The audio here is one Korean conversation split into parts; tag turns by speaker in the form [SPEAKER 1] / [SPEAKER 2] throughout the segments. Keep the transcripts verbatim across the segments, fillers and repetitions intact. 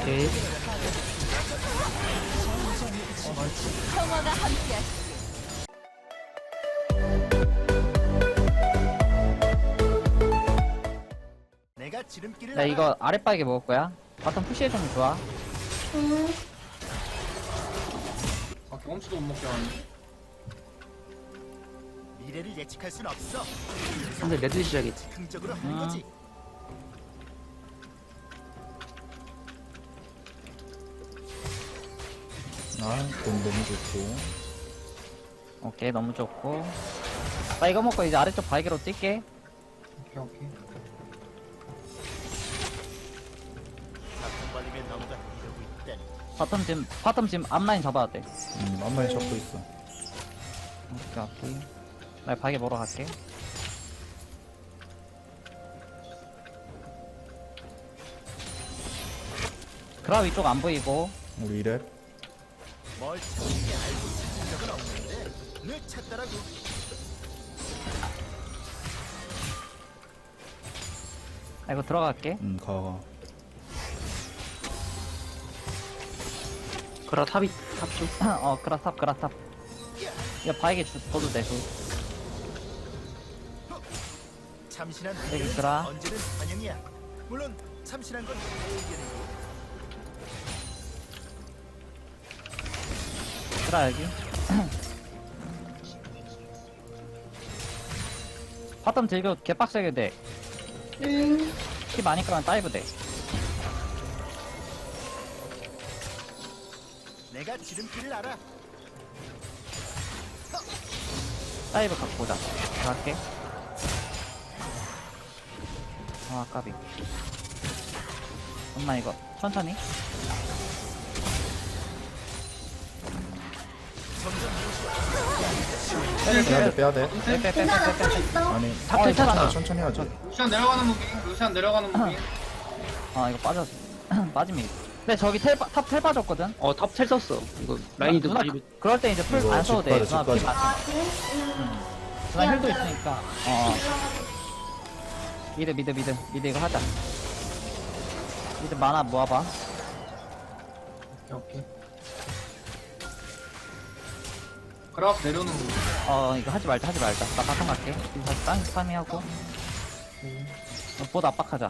[SPEAKER 1] 오케이.
[SPEAKER 2] 평화가 함께.
[SPEAKER 3] 내가 지름길을
[SPEAKER 1] 나 이거 아랫바닥에 먹을 거야. 바텀 푸시해주면 좋아.
[SPEAKER 4] 응.
[SPEAKER 5] 아, 경험치도 못 먹게 하네.
[SPEAKER 3] 미래를 예측할 순 없어.
[SPEAKER 1] 근데 레드 시작이지.
[SPEAKER 3] 긍정적으로 하는
[SPEAKER 1] 음.
[SPEAKER 3] 거지.
[SPEAKER 6] 아, 돈 너무 좋고.
[SPEAKER 1] 오케이, 너무 좋고. 나 이거 먹고 이제 아래쪽 바위게로 뛸게.
[SPEAKER 5] 오케이, 오케이.
[SPEAKER 3] 바텀 발림에 너무가 이러고 있다니.
[SPEAKER 1] 바텀 지금, 바텀 지금 앞라인 잡아야 돼.
[SPEAKER 6] 음, 앞라인 잡고 있어.
[SPEAKER 1] 오케이, 오케이. 나 바위게 먹으러 갈게. 그라 위쪽 안 보이고.
[SPEAKER 6] 우리 이랩.
[SPEAKER 3] 뭘 찾는지 알고 찾은 적은 없는데 늘 찾더라고.
[SPEAKER 1] 나 이거 들어갈게.
[SPEAKER 6] 음, 가, 가.
[SPEAKER 1] 그라 탑이, 탑 좀. 어, 그라 탑, 그라 탑. 이거 바위게 주, 줘도 돼, 줘.
[SPEAKER 3] 참신한
[SPEAKER 1] 여기
[SPEAKER 3] 의견은
[SPEAKER 1] 있더라.
[SPEAKER 3] 언제든 환영이야. 물론 참신한 건 내 의견이고.
[SPEAKER 1] 그라 여기. 바텀 들고 개빡세게 돼.
[SPEAKER 4] 응.
[SPEAKER 1] 키 많이 까면 다이브 돼.
[SPEAKER 3] 내가 지름길을 알아.
[SPEAKER 1] 다이브 갖고 오자. 갈게. 아, 까비. 엄마 이거 천천히.
[SPEAKER 6] 빼야 돼, 빼야 돼.
[SPEAKER 4] 괜찮아,
[SPEAKER 1] 빼빼빼빼빼빼.
[SPEAKER 4] 또 있어.
[SPEAKER 6] 아니,
[SPEAKER 1] 어,
[SPEAKER 6] 천천히,
[SPEAKER 1] 괜찮아.
[SPEAKER 6] 천천히 하지.
[SPEAKER 5] 루시안 내려가는 무빙, 루시안 내려가는 무빙.
[SPEAKER 1] 아 이거 빠졌어. 빠지면. 근데 저기 텔, 빠- 탑텔 빠졌거든.
[SPEAKER 7] 어, 탑 텔 썼어. 이거 라인이도
[SPEAKER 1] 누나,
[SPEAKER 7] 많이
[SPEAKER 1] 그럴 때 이제 풀
[SPEAKER 6] 이거
[SPEAKER 1] 안 써도 돼.
[SPEAKER 6] 집
[SPEAKER 1] 누나
[SPEAKER 6] 가자,
[SPEAKER 1] 피
[SPEAKER 6] 집
[SPEAKER 1] 많.
[SPEAKER 4] 아, 그래? 응.
[SPEAKER 1] 누나 힐도 있으니까. 어. 미드 미드 미드 미드 이거 하자. 미드 만화 모아봐.
[SPEAKER 5] 오케이, 오케이. 그라프 내려오는 무빙.
[SPEAKER 1] 어 이거 하지 말자 하지 말자. 나 바텀 갈게. 이거 다시 땅 스파미하고. 어, 보드 압박하자.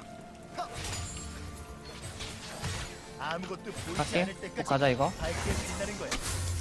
[SPEAKER 3] 아무것도 보이지
[SPEAKER 1] 갈게.
[SPEAKER 3] 않을
[SPEAKER 1] 꼭
[SPEAKER 3] 때까지
[SPEAKER 1] 가자 이거.
[SPEAKER 3] 밝게 빛나는 거야.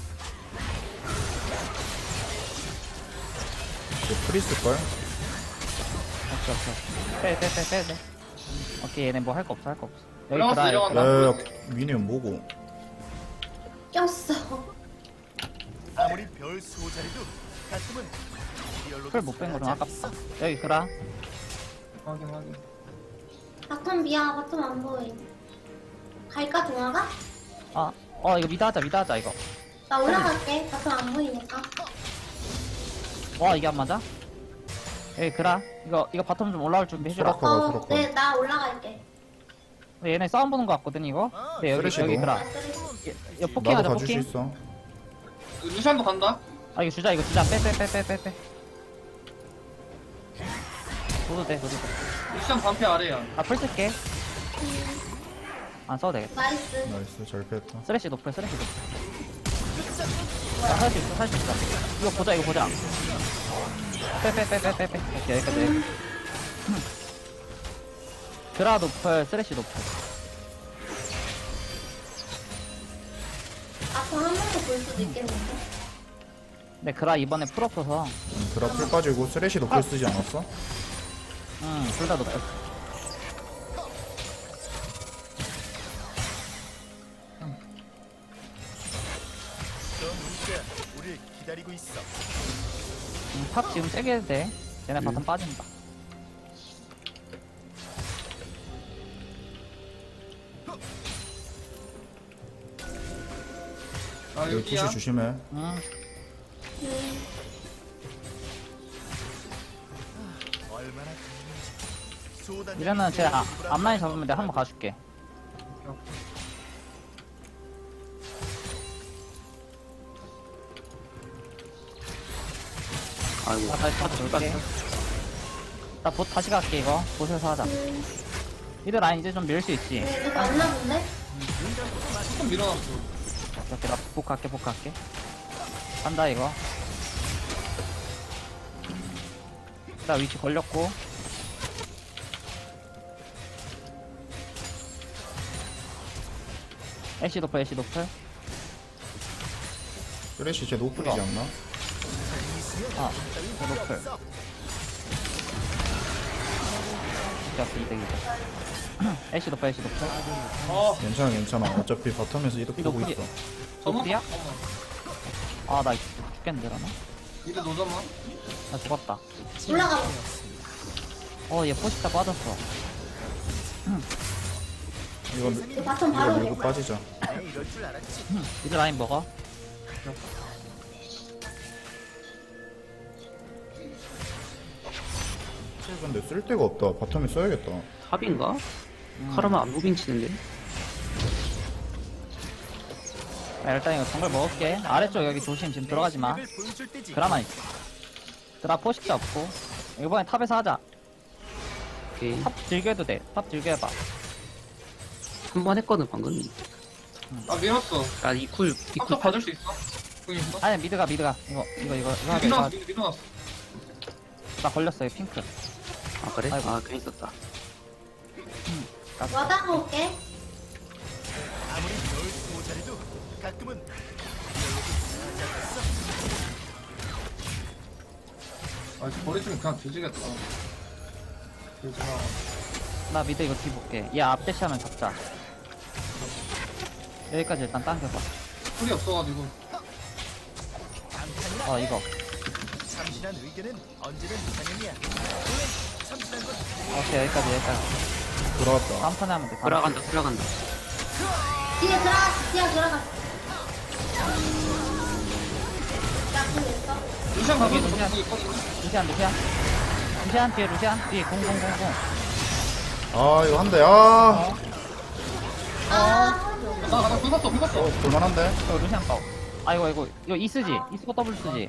[SPEAKER 6] 이거 프리스걸?
[SPEAKER 1] 오케이 오케이. 빼빼빼빼 빼. 오케이 얘네 뭐 할 거 없어 할 거 없어. 여기
[SPEAKER 5] 내려갔어,
[SPEAKER 1] 드라이.
[SPEAKER 5] 내려간다.
[SPEAKER 6] 야, 야, 미니언 뭐고?
[SPEAKER 4] 꼈어.
[SPEAKER 3] 아무리 별 수호자리도 가끔은 리얼로
[SPEAKER 1] 풀못 뺀 거 좀 아깝다. 여기 그라.
[SPEAKER 5] 확인, 확인.
[SPEAKER 4] 바텀 미야, 바텀 안 보임. 갈까, 동화가?
[SPEAKER 1] 아, 어 이거 미드 하자 미드 하자 이거.
[SPEAKER 4] 나 올라갈게. 바텀 안 보이니까.
[SPEAKER 1] 와 이게 안 맞아? 여기 그라. 이거 이거 바텀 좀 올라올 준비 해주라.
[SPEAKER 6] 수락. 가봐,
[SPEAKER 4] 어,
[SPEAKER 6] 수락
[SPEAKER 4] 네,
[SPEAKER 6] 가봐.
[SPEAKER 4] 나 올라갈게.
[SPEAKER 1] 얘네 싸움 보는 거 같거든 이거. 네 여기
[SPEAKER 6] 쓰레쉬도.
[SPEAKER 1] 여기 그라.
[SPEAKER 4] 나 쓰레쉬.
[SPEAKER 1] 이거 포킹하자
[SPEAKER 6] 나도 봐줄 수
[SPEAKER 1] 포킹.
[SPEAKER 6] 있어.
[SPEAKER 5] 루시안도 간다.
[SPEAKER 1] 아 이거 주자 이거 주자 빼 빼 빼 빼 빼빼. 도도 돼 도도 돼.
[SPEAKER 5] 루시안 반피 아래야.
[SPEAKER 1] 아풀 쓸게. 안 써도 되겠다.
[SPEAKER 4] 나이스.
[SPEAKER 6] 나이스, 잘 뺐다.
[SPEAKER 1] 쓰레쉬 높여 쓰레쉬 높여. 살 수 있어 살 수 있어. 이거 보자 이거 보자. 빼 빼 빼 빼 빼빼. 오케이 여기까지. 그라 높여 쓰레쉬 높여.
[SPEAKER 4] 바텀 한 번 더 볼 수도 있겠는데?
[SPEAKER 1] 근데 그라 이번에 풀 없어서.
[SPEAKER 6] 음, 드랍 풀 빠지고 쓰레쉬도 풀 쓰지 않았어?
[SPEAKER 1] 응둘 다 높여.
[SPEAKER 3] 저 문자 우리 기다리고 있어.
[SPEAKER 1] 음, 탑 지금 세게 해도 돼. 얘네
[SPEAKER 6] 음.
[SPEAKER 1] 바텀 빠진다.
[SPEAKER 5] 아,
[SPEAKER 6] 여기
[SPEAKER 5] 여기야.
[SPEAKER 6] 투시 조심해.
[SPEAKER 1] 응.
[SPEAKER 4] 음.
[SPEAKER 3] 얼마나 좋은지. 수호단
[SPEAKER 1] 이러면 제 아, 앞라인 잡으면 내가 한번 가줄게.
[SPEAKER 5] 오케이, 오케이.
[SPEAKER 7] 아이고.
[SPEAKER 1] 나 다시 탑
[SPEAKER 7] 탑
[SPEAKER 1] 돌게.
[SPEAKER 7] 깎았어.
[SPEAKER 1] 나 봇 다시 갈게 이거. 봇에서 하자.
[SPEAKER 4] 음.
[SPEAKER 1] 미드 라인 이제 좀 밀 수 있지.
[SPEAKER 4] 네, 이거 맞나 본데?
[SPEAKER 5] 조금 밀어놨어.
[SPEAKER 1] 이렇게 나 복할게 복할게. 간다 이거. 나 위치 걸렸고. 애쉬 도플 애쉬 도플.
[SPEAKER 6] 쓰레쉬 쟤 노플이지 않나?
[SPEAKER 1] 아 이거 노플. 이득 이득 이득. 애쉬 도플 애쉬 도플.
[SPEAKER 5] 아,
[SPEAKER 6] 괜찮아 괜찮아. 어차피 바텀에서 이득 보고
[SPEAKER 1] 노플이-
[SPEAKER 6] 있어.
[SPEAKER 1] 노플이야?
[SPEAKER 5] 잠깐만.
[SPEAKER 1] 아 나 죽겠는데 그러나?
[SPEAKER 5] 미드 노점만.
[SPEAKER 1] 나 죽었다.
[SPEAKER 4] 올라가.
[SPEAKER 1] 어 얘 포식자 빠졌어.
[SPEAKER 6] 이거
[SPEAKER 4] 이거 바텀
[SPEAKER 6] 이거
[SPEAKER 4] 바로
[SPEAKER 6] 밀고
[SPEAKER 4] 오고.
[SPEAKER 6] 빠지자.
[SPEAKER 3] 내 이럴 줄 알았지.
[SPEAKER 1] 미드 라인 먹어.
[SPEAKER 6] 근데 쓸 데가 없다. 바텀에 써야겠다.
[SPEAKER 7] 탑인가? 카르마 안 무빙 치는데?
[SPEAKER 1] 야, 일단 이거 정글 먹을게. 아래쪽 여기 조심. 지금 들어가지 마.
[SPEAKER 3] 을 보여줄 때지.
[SPEAKER 1] 드라마 있어. 드라 포식자 없고. 이번에 탑에서 하자.
[SPEAKER 7] 오케이.
[SPEAKER 1] 탑 즐겨도 돼. 탑 즐겨봐.
[SPEAKER 7] 한 번 했거든, 방금.
[SPEAKER 5] 아, 밀었어.
[SPEAKER 7] 아, 이쿨, 이쿨
[SPEAKER 5] 탑top 받을 수 있어? 궁 있어?
[SPEAKER 1] 아니 미드가 미드가. 이거 이거 이거 이거 하게.
[SPEAKER 5] 밀어놨어,
[SPEAKER 1] 이거.
[SPEAKER 5] 미드 밀어놨어.
[SPEAKER 1] 나 걸렸어. 이 핑크.
[SPEAKER 7] 아, 그래?
[SPEAKER 1] 아이고.
[SPEAKER 7] 아, 괜히 썼다.
[SPEAKER 4] 와다 놓을게.
[SPEAKER 3] 아무리 널 모자래도 가끔은
[SPEAKER 5] 아, 버리시면 그냥 뒤지겠다. 그렇구나.
[SPEAKER 1] 나 미드 이거 뒤 볼게. 얘 앞대시하면 잡자. 여기까지 일단 당겨봐.
[SPEAKER 5] 풀이 없어가지고.
[SPEAKER 1] 어 이거.
[SPEAKER 3] 참신한 의견은 언제든 이상형이야. 참신한 건
[SPEAKER 1] 오케이 여기까지 여기까지.
[SPEAKER 6] 돌아왔다.
[SPEAKER 1] 다음 턴에 하면 돼. 다음
[SPEAKER 7] 들어간다, 들어간다.
[SPEAKER 4] 뒤에 들어갔어. 뒤에 들어갔어. 나궁 있어.
[SPEAKER 5] 루시안 가서
[SPEAKER 1] 여기
[SPEAKER 5] 저거
[SPEAKER 1] 루시안.
[SPEAKER 5] 있거든요.
[SPEAKER 1] 루시안 루시안. 루시안 뒤에 루시안 뒤에 공공공공.
[SPEAKER 6] 아 이거 한대. 아.
[SPEAKER 4] 아,
[SPEAKER 5] 나, 나, 긁었어, 긁었어.
[SPEAKER 6] 어 볼만한데?
[SPEAKER 1] 이거 루시안 거. 아 이거 이거 이거 이 쓰지. 이스코 더블 쓰지.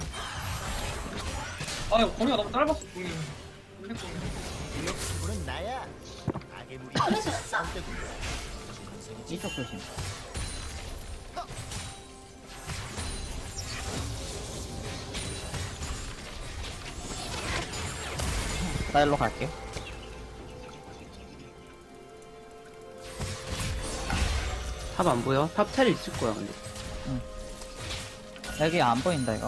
[SPEAKER 5] 아, 이거 거리가 너무 짧았어, 궁이. 근데
[SPEAKER 3] 기억수는 나야. 악의 무리.
[SPEAKER 4] 그래서 없어.
[SPEAKER 1] 이쪽 조심. 나 일로 갈게.
[SPEAKER 7] 탑 안 보여? 탑 텔 있을 거야, 근데.
[SPEAKER 1] 여기 안 보인다 이거.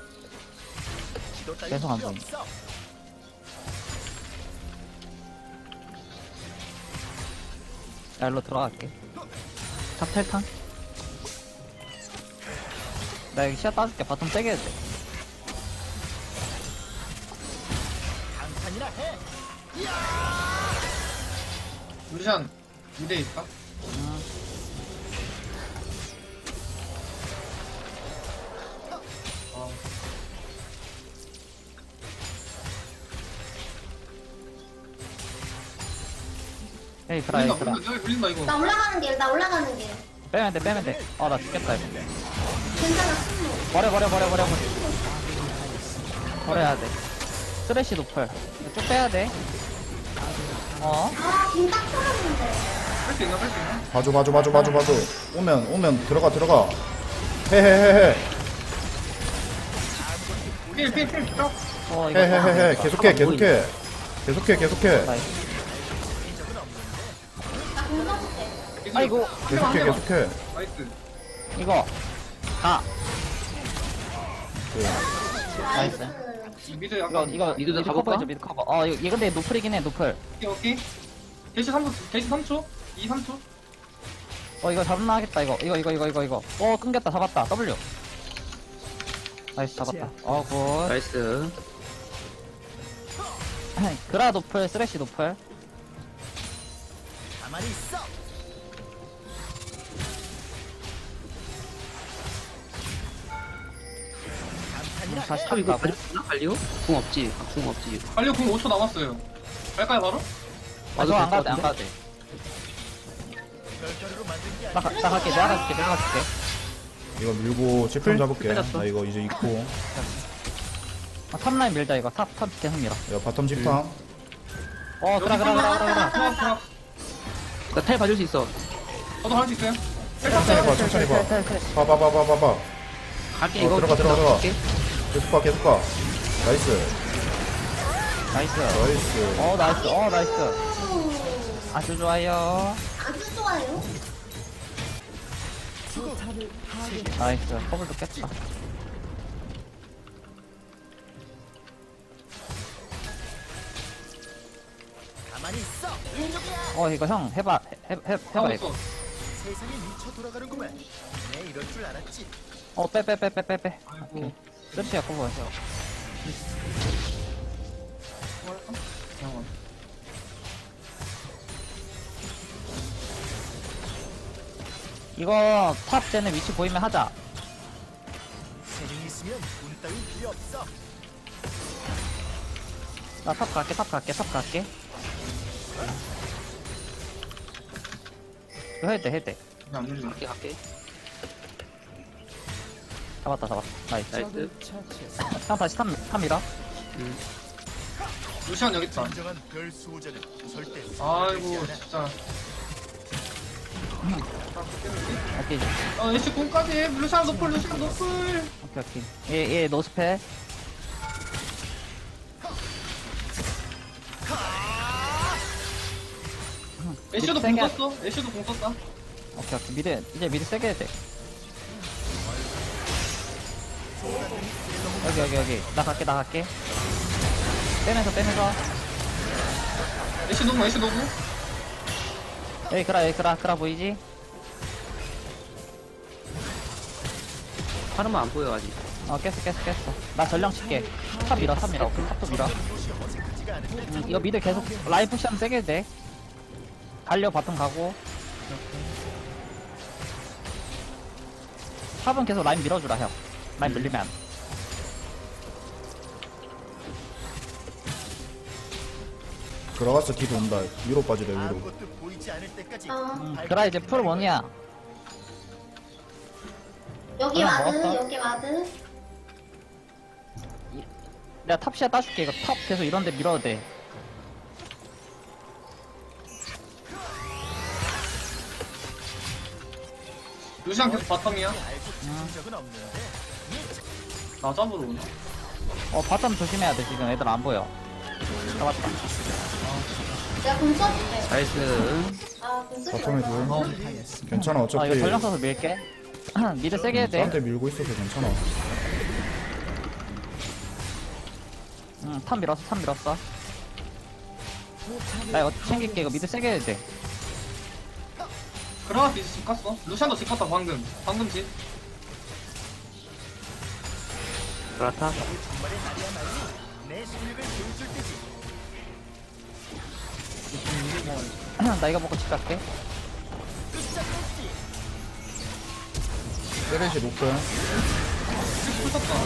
[SPEAKER 3] 지도 따위
[SPEAKER 1] 계속 안
[SPEAKER 3] 필요
[SPEAKER 1] 보인다.
[SPEAKER 3] 없어.
[SPEAKER 1] 나 일로 들어갈게. 탑 텔탄. 나 여기 시야 따줄게. 바텀 세게 해야 돼.
[SPEAKER 3] 강판이나 해.
[SPEAKER 5] 루시안, 미드에 있다.
[SPEAKER 1] 음.
[SPEAKER 5] 아,
[SPEAKER 1] 에이 그라 에이
[SPEAKER 5] 물린다,
[SPEAKER 1] 그라.
[SPEAKER 5] 물린다, 여기 물린다, 이거.
[SPEAKER 4] 나 올라가는 길. 나 올라가는 길.
[SPEAKER 1] 빼면 돼 빼면 돼. 어 나 죽겠다 이거.
[SPEAKER 4] 괜찮아. 승부.
[SPEAKER 1] 버려 버려 버려 버려 버려. 버려야 돼. 쓰레쉬 노플. 이거 쭉 빼야 돼. 어?
[SPEAKER 4] 아, 김딱 떨어졌는데.
[SPEAKER 5] 뺄 수 있나, 뺄 수 있나?
[SPEAKER 6] 봐줘 봐줘 봐줘 봐줘 봐줘. 오면 오면 들어가 들어가. 헤헤헤헤.
[SPEAKER 5] 필, 필, 필, 쭉.
[SPEAKER 1] 어 이거.
[SPEAKER 6] 헤헤헤헤. 계속해 계속해. 계속해 계속해.
[SPEAKER 1] 나이스.
[SPEAKER 4] 나궁 써줄게.
[SPEAKER 1] 아이고.
[SPEAKER 6] 계속해 계속해.
[SPEAKER 5] 나이스.
[SPEAKER 1] 이거. 가.
[SPEAKER 4] 나이스.
[SPEAKER 5] 미드
[SPEAKER 1] 이거
[SPEAKER 5] 약간.
[SPEAKER 1] 이거
[SPEAKER 7] 미드도
[SPEAKER 1] 미드
[SPEAKER 7] 가볼까?
[SPEAKER 1] 커버해줘 미드 커버. 어 이거 얘 근데 노플이긴 해 노플.
[SPEAKER 5] 오케이, 오케이. 대시 삼 초, 대시 삼 초? 이, 삼 초?
[SPEAKER 1] 어 이거 잡나 하겠다 이거 이거 이거 이거 이거 이거. 어 끊겼다 잡았다 W. 나이스 잡았다. 어굿.
[SPEAKER 7] 나이스.
[SPEAKER 1] 그라 노플 쓰레쉬 노플.
[SPEAKER 3] 가만히 있어.
[SPEAKER 1] 음, 다시
[SPEAKER 7] 탑 이거
[SPEAKER 1] 탑 가고.
[SPEAKER 7] 갈리나? 갈리오? 궁 없지. 아, 궁 없지.
[SPEAKER 5] 완료 궁 오 초 남았어요. 갈까요, 바로?
[SPEAKER 1] 아, 저안 가도 돼, 안 가도 돼.
[SPEAKER 3] 별자리로 만든 게
[SPEAKER 1] 나, 가, 나 갈게, 내가 갈게, 내가 갈게.
[SPEAKER 6] 이거 밀고 집중 잡을게.
[SPEAKER 7] 빼놨어.
[SPEAKER 6] 나 이거 이제 있고.
[SPEAKER 1] 아, 탑라인 밀자, 이거. 탑, 탑 계속 밀어.
[SPEAKER 6] 야 바텀 집탐.
[SPEAKER 1] 어, 그라, 그라, 그라, 그라, 그라.
[SPEAKER 5] 들어가, 들어가.
[SPEAKER 7] 나 탈 봐줄 수 있어.
[SPEAKER 5] 저도 할 수 있어요?
[SPEAKER 6] 천천히 봐 천천히 봐. 봐 봐 봐 봐 봐.
[SPEAKER 7] 갈게,
[SPEAKER 6] 어,
[SPEAKER 7] 이거.
[SPEAKER 6] 들어가, 들어가, 들어가.
[SPEAKER 7] 갈게.
[SPEAKER 6] 계속 봐 계속 봐. 나이스
[SPEAKER 1] 나이스.
[SPEAKER 6] 나이스.
[SPEAKER 1] 어 나이스. 어 나이스.
[SPEAKER 4] 오,
[SPEAKER 1] 아주 좋아요.
[SPEAKER 4] 아주 좋아요.
[SPEAKER 1] 나이스. 커블도 깼다.
[SPEAKER 3] 가만히 있어. 인종이야.
[SPEAKER 1] 어 이거 형 해봐. 해, 해, 해봐
[SPEAKER 5] 하고
[SPEAKER 1] 이거.
[SPEAKER 5] 있어.
[SPEAKER 3] 세상이 미쳐 돌아가는구만. 내 이럴 줄 알았지.
[SPEAKER 1] 어 빼 빼 빼 빼 빼 빼.
[SPEAKER 5] 아이고.
[SPEAKER 1] 끝이야 커버.
[SPEAKER 5] 잠깐만.
[SPEAKER 1] 이거 탑 쟤네 위치 보이면 하자.
[SPEAKER 3] 재능이 있으면 돈 따윈 필요 없어.
[SPEAKER 1] 나 탑 갈게 탑 갈게 탑 갈게. 이거 해도 돼 해도 돼.
[SPEAKER 5] 이게 안 눌려.
[SPEAKER 7] 갈게, 갈게.
[SPEAKER 1] 잡았다 잡았다. 나이스.
[SPEAKER 7] 나이스.
[SPEAKER 1] 형 다시 탑, 탑 밀어.
[SPEAKER 7] 음.
[SPEAKER 5] 루시안 여기 있다.
[SPEAKER 3] 진정한 별 수호자는 절대
[SPEAKER 5] 아이고 진짜.
[SPEAKER 1] 오케이
[SPEAKER 5] 어 애쉬 공까지. 루시안 노플 루시안 노플.
[SPEAKER 1] 오케이 오케이. 얘얘 노스페.
[SPEAKER 5] 애쉬도 공
[SPEAKER 1] 세게 하-
[SPEAKER 5] 썼어. 애쉬도 공 썼다.
[SPEAKER 1] 오케이 오케이. 미드 이제 미드 세게 해야 돼. 여기 여기 여기. 나 갈게 나 갈게. 빼면서 빼면서.
[SPEAKER 5] 애쉬 노무 애쉬 노무.
[SPEAKER 1] 여기 그라 여기 그라 그라 보이지?
[SPEAKER 7] 파르마 안 보여, 아직.
[SPEAKER 1] 어 깼어 깼어 깼어. 나 전령 칠게. 탑 밀어 탑 밀어. 탑도 밀어.
[SPEAKER 3] 곳이 어색하지가 않은데.
[SPEAKER 1] 음, 이거 미드 계속 라인 푸시하면 세게 해도 돼. 갈려 바텀 가고. 탑은 계속 라인 밀어주라 형. 라인 밀리면 안 돼.
[SPEAKER 6] 들어갔어 기 돈다. 위로 빠지래 위로.
[SPEAKER 3] 아무것도 보이지 않을 때까지.
[SPEAKER 4] 어,
[SPEAKER 1] 음, 그라 이제 풀 원이야.
[SPEAKER 4] 여기
[SPEAKER 1] 그냥
[SPEAKER 4] 와드,
[SPEAKER 1] 먹었어?
[SPEAKER 4] 여기 와드.
[SPEAKER 1] 내가 탑시야 따줄게. 이거 탑 계속 이런데 밀어도 돼.
[SPEAKER 5] 루시안 계속 바텀이야.
[SPEAKER 3] 알고 찾은 적은 없는데.
[SPEAKER 5] 나 잡으러 오나?
[SPEAKER 1] 어 바텀 조심해야 돼 지금 애들 안 보여. 잡았다.
[SPEAKER 4] 내가 공 써줄게.
[SPEAKER 7] 나이스.
[SPEAKER 4] 아, 공 쓰지
[SPEAKER 6] 바텀에
[SPEAKER 4] 말고.
[SPEAKER 6] 둘. 괜찮아
[SPEAKER 1] 아
[SPEAKER 6] 어차피
[SPEAKER 1] 이거 전령 써서 밀게. 미드 세게 해도 돼.
[SPEAKER 6] 나한테 밀고 있어서 괜찮아.
[SPEAKER 1] 응, 탑 밀었어, 탑 밀었어. 나 이거 챙길게. 이거 미드 세게 해도 돼.
[SPEAKER 5] 그라가스 이제 집 갔어. 루시안도 집 갔다 방금. 방금 집.
[SPEAKER 7] 그렇다.
[SPEAKER 3] 정말의 날이야말로 내 실력을 보여줄 때지.
[SPEAKER 1] 나 이거 먹고 집 갈게.
[SPEAKER 6] 세레시 높은.
[SPEAKER 5] 풀 썼다.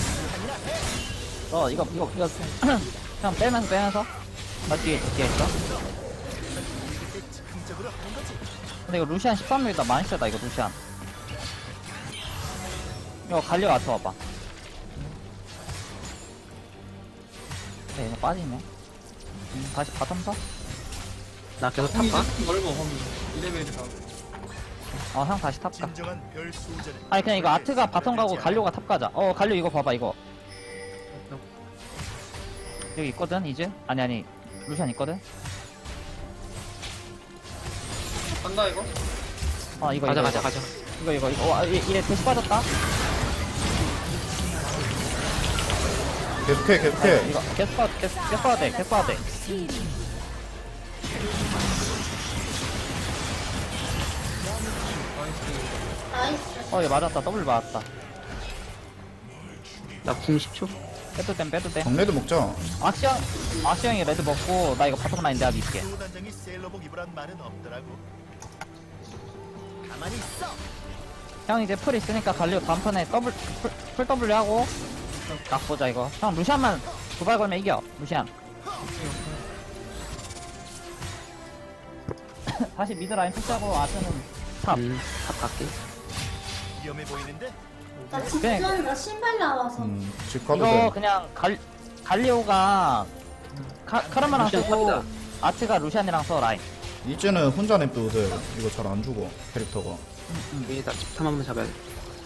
[SPEAKER 1] 어, 이거, 이거, 이거. 그냥 빼면서, 빼면서. 나 뒤에, 뒤에 있어.
[SPEAKER 3] 그때 즉흥적으로 하는 거지.
[SPEAKER 1] 근데 이거 루시안 십삼 밀다 많이 세다, 이거 루시안. 이거 갈려 와서 와봐. 네, 이거 빠지네. 음, 다시 바텀 서?
[SPEAKER 7] 나 계속 탑
[SPEAKER 5] 범위
[SPEAKER 7] 봐.
[SPEAKER 5] 이제 넓어 범위. 이 레벨이다.
[SPEAKER 1] 어, 형 다시 탑 가.
[SPEAKER 3] 진정한 별 수호자는
[SPEAKER 1] 아니, 그냥 이거 아트가
[SPEAKER 3] 절대
[SPEAKER 1] 바텀 가고
[SPEAKER 3] 변하지
[SPEAKER 1] 갈려가 탑 가자. 어, 갈려 이거 봐봐, 이거. 여기 있거든, 이제? 아니, 아니. 루시안 있거든?
[SPEAKER 5] 간다 이거.
[SPEAKER 1] 어, 이거,
[SPEAKER 7] 가자,
[SPEAKER 1] 이거.
[SPEAKER 7] 가자,
[SPEAKER 1] 이거.
[SPEAKER 7] 가자.
[SPEAKER 1] 이거 이거 이거 와, 이- 이래 대시 빠졌다.
[SPEAKER 6] 계속해 계속해.
[SPEAKER 1] 이거 계속 빠 계속 계속 빠야 돼. 계속 빠야 돼.
[SPEAKER 4] 나이스.
[SPEAKER 1] 어, 얘 맞았다. 더블 맞았다.
[SPEAKER 7] 나궁 십 초.
[SPEAKER 1] 빼도 됨 빼도 돼.
[SPEAKER 6] 정례도 먹자.
[SPEAKER 1] 악시형 악시형이 레드 먹고 나 이거 바텀 라인 내가 밀게.
[SPEAKER 3] 수호 단장이 셀러복 입으란 말은 없더라고. 가만히 있어.
[SPEAKER 1] 형 이제 풀 있으니까 갈려 다음 턴에 더블 풀, 풀 W 하고 딱 보자 이거. 형 루시안만 두발 걸면 이겨. 루시안. 다시 미드 라인 푸시하고 아트는 탑.
[SPEAKER 7] 음, 탑 갈게.
[SPEAKER 3] 위험해 보이는데.
[SPEAKER 4] 나 직전 나 신발 나와서.
[SPEAKER 6] 음, 집 가도
[SPEAKER 1] 이거
[SPEAKER 6] 돼.
[SPEAKER 1] 그냥 갈 갈리오가 카, 카르마랑
[SPEAKER 7] 루시안
[SPEAKER 1] 쓰고
[SPEAKER 7] 탑이다.
[SPEAKER 1] 아트가 루시안이랑 써 라인.
[SPEAKER 6] 이제는 혼자 냅둬도 돼. 이거 잘 안 죽어 캐릭터가.
[SPEAKER 7] 여기다 집탐 한번 잡아야 돼.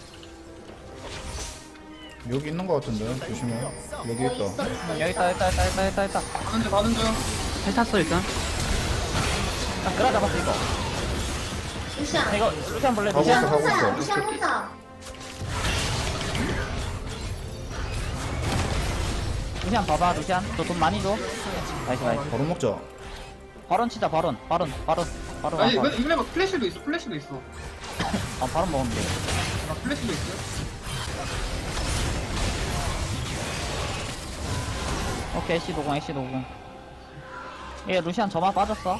[SPEAKER 6] 여기 있는 거 같은데 조심해. 여기
[SPEAKER 4] 어,
[SPEAKER 6] 있다.
[SPEAKER 4] 있어, 있어.
[SPEAKER 1] 여기 있다 있다 있다 있다 있다 있다.
[SPEAKER 5] 가는 중 가는 중.
[SPEAKER 7] 텔 탔어 일단.
[SPEAKER 1] 나 그라 잡았어 이거.
[SPEAKER 4] 루시안.
[SPEAKER 1] 이거 루시안 볼래?
[SPEAKER 6] 가고
[SPEAKER 1] 루시안?
[SPEAKER 6] 있어, 가고 있어.
[SPEAKER 4] 루시안 혼자.
[SPEAKER 1] 루시안 봐봐 루시안. 너 돈 많이 줘. 나이스 나이스.
[SPEAKER 6] 바로 먹자.
[SPEAKER 1] 바론 치자 바론 바론 바론 바론.
[SPEAKER 5] 아니
[SPEAKER 1] 바론.
[SPEAKER 5] 이거 이거 막 플래시도 있어 플래시도 있어.
[SPEAKER 1] 아 바론 먹으면 돼.
[SPEAKER 5] 아 플래시도 있어.
[SPEAKER 1] 오케이 애쉬 노공 애쉬 노공. 얘 루시안 저만 빠졌어.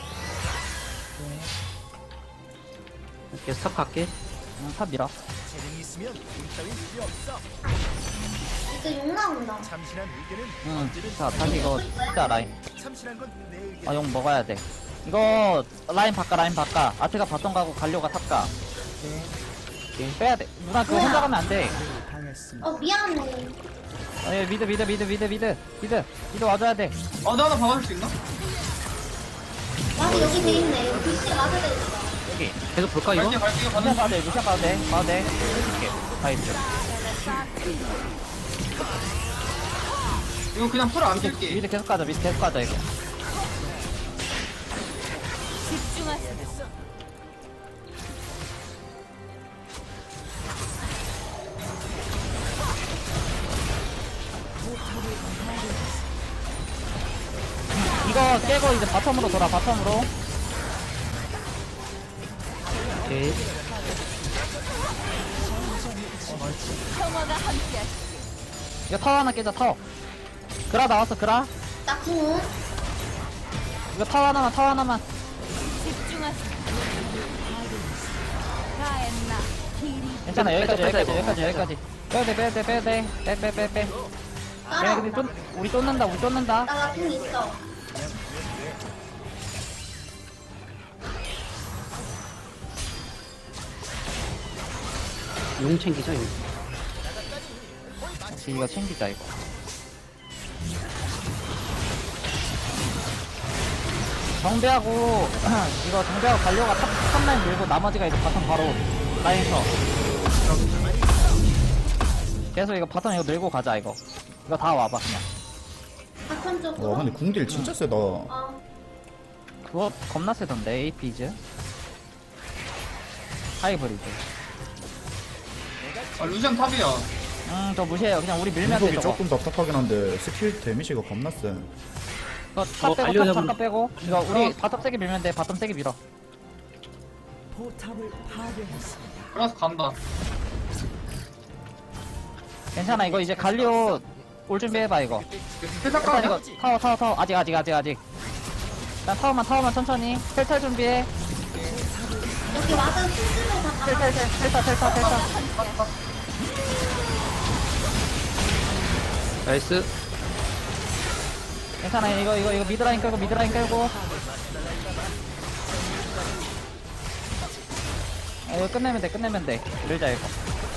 [SPEAKER 7] 이렇게 스탑 갈게.
[SPEAKER 1] 응, 탑 밀어.
[SPEAKER 3] 재능이 있으면 돈 따윈 필요 없어.
[SPEAKER 4] 이제 욕 나온다.
[SPEAKER 3] 참신한 의견은
[SPEAKER 1] 응.
[SPEAKER 3] 언제든
[SPEAKER 1] 자 다시 이거 진짜 라인.
[SPEAKER 3] 참신한 건 내 의견.
[SPEAKER 1] 아 용 먹어야 돼. 이거 라인 바꿔 라인 바꿔. 아트가 바텀 가고 갈료가 탑 가. 빼야 돼. 누나 그거 혼자 가면 안 돼.
[SPEAKER 4] 어, 미안해.
[SPEAKER 1] 아, 얘 미드 미드 미드 미드 미드 미드 미드 와줘야 돼.
[SPEAKER 5] 아, 나 하나 박아줄 수 있나?
[SPEAKER 4] 와드 여기 돼 있네. 여기 글씨 와드 돼 있어.
[SPEAKER 1] 여기.
[SPEAKER 7] 계속 볼까 이거?
[SPEAKER 5] 갈게요, 갈게요, 가는
[SPEAKER 1] 루시안
[SPEAKER 5] 중.
[SPEAKER 1] 봐도 돼 루시안 봐도 돼 봐도 돼. 이렇게 가이드.
[SPEAKER 5] 이거 그냥 풀 안 뛸게.
[SPEAKER 1] 미드 계속 가자 미드 계속 가자 이거.
[SPEAKER 2] 집중하세요.
[SPEAKER 1] 이거 깨고 이제 바텀으로 돌아 바텀으로.
[SPEAKER 7] 오케이.
[SPEAKER 2] 평화가 함께하시.
[SPEAKER 1] 이거 타워 하나 깨자 타워. 그라 나왔어 그라.
[SPEAKER 4] 나 궁.
[SPEAKER 1] 이거 타워 하나만 타워 하나만.
[SPEAKER 2] 집중하세요. 가엔나 길이
[SPEAKER 1] 괜찮아 여기까지
[SPEAKER 7] 빼자,
[SPEAKER 1] 여기까지
[SPEAKER 7] 빼자,
[SPEAKER 1] 여기까지
[SPEAKER 7] 이거.
[SPEAKER 1] 여기까지. 빼야돼 빼야돼 빼야돼 빼빼빼빼. 얘네
[SPEAKER 4] 따라.
[SPEAKER 1] 근데 쫓 우리 쫓는다 우리 쫓는다.
[SPEAKER 4] 나궁 있어.
[SPEAKER 7] 용 챙기자 용.
[SPEAKER 1] 혹시 이거 챙기자 이거. 정배하고 이거 정배하고 갈려가 탑, 탑라인 밀고 나머지가 이제 바텀 바로 라인서 계속 이거 바텀 이거 밀고 가자 이거. 이거 다 와봐 그냥.
[SPEAKER 4] 바텀 쪽으로.
[SPEAKER 6] 와 근데 궁딜 진짜 세다.
[SPEAKER 4] 어.
[SPEAKER 1] 그거 겁나 세던데 에이피즈 하이브리드.
[SPEAKER 5] 아, 루시안 탑이야.
[SPEAKER 1] 음저 무시해요 그냥 우리 밀면 돼
[SPEAKER 6] 공속이
[SPEAKER 1] 저거.
[SPEAKER 6] 조금 답답하긴 한데 스킬 데미지가 겁나 세.
[SPEAKER 1] 이거
[SPEAKER 7] 저거
[SPEAKER 1] 탑 빼고
[SPEAKER 7] 갈려
[SPEAKER 1] 탑
[SPEAKER 7] 잡으면-
[SPEAKER 1] 잠깐 빼고 이거 우리
[SPEAKER 5] 어.
[SPEAKER 1] 바텀 세게 밀면 돼 바텀 세게 밀어.
[SPEAKER 5] 그래서 간다.
[SPEAKER 1] 괜찮아 이거 이제 갈리오 올 준비해봐 이거.
[SPEAKER 5] 회사
[SPEAKER 1] 일단 이거
[SPEAKER 5] 까
[SPEAKER 1] 타워 타워 타워 아직 아직 아직 아직. 일단 타워만 타워만 천천히 텔탈 준비해.
[SPEAKER 4] 여기 와드 스스로 다 박아.
[SPEAKER 1] 텔탈 텔탈 텔탈 텔탈.
[SPEAKER 7] 나이스.
[SPEAKER 1] 괜찮아 이거 이거 이거 미드라인 끌고 미드라인 끌고. 아, 이거 끝내면 돼 끝내면 돼. 밀자 이거.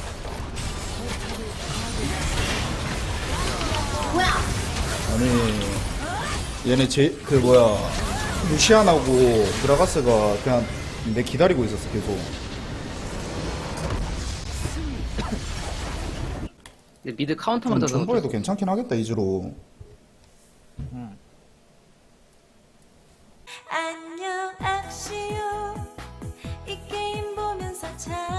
[SPEAKER 4] 뭐야?
[SPEAKER 6] 아니 얘네 제 그 뭐야 루시안하고 드라가스가 그냥 내 기다리고 있었어 계속.
[SPEAKER 7] 근데 미드 카운터만 더 넣어도
[SPEAKER 6] 존버해도 괜찮긴 하겠다 이즈로.
[SPEAKER 8] 안녕 악시오 이 게임 보면서 참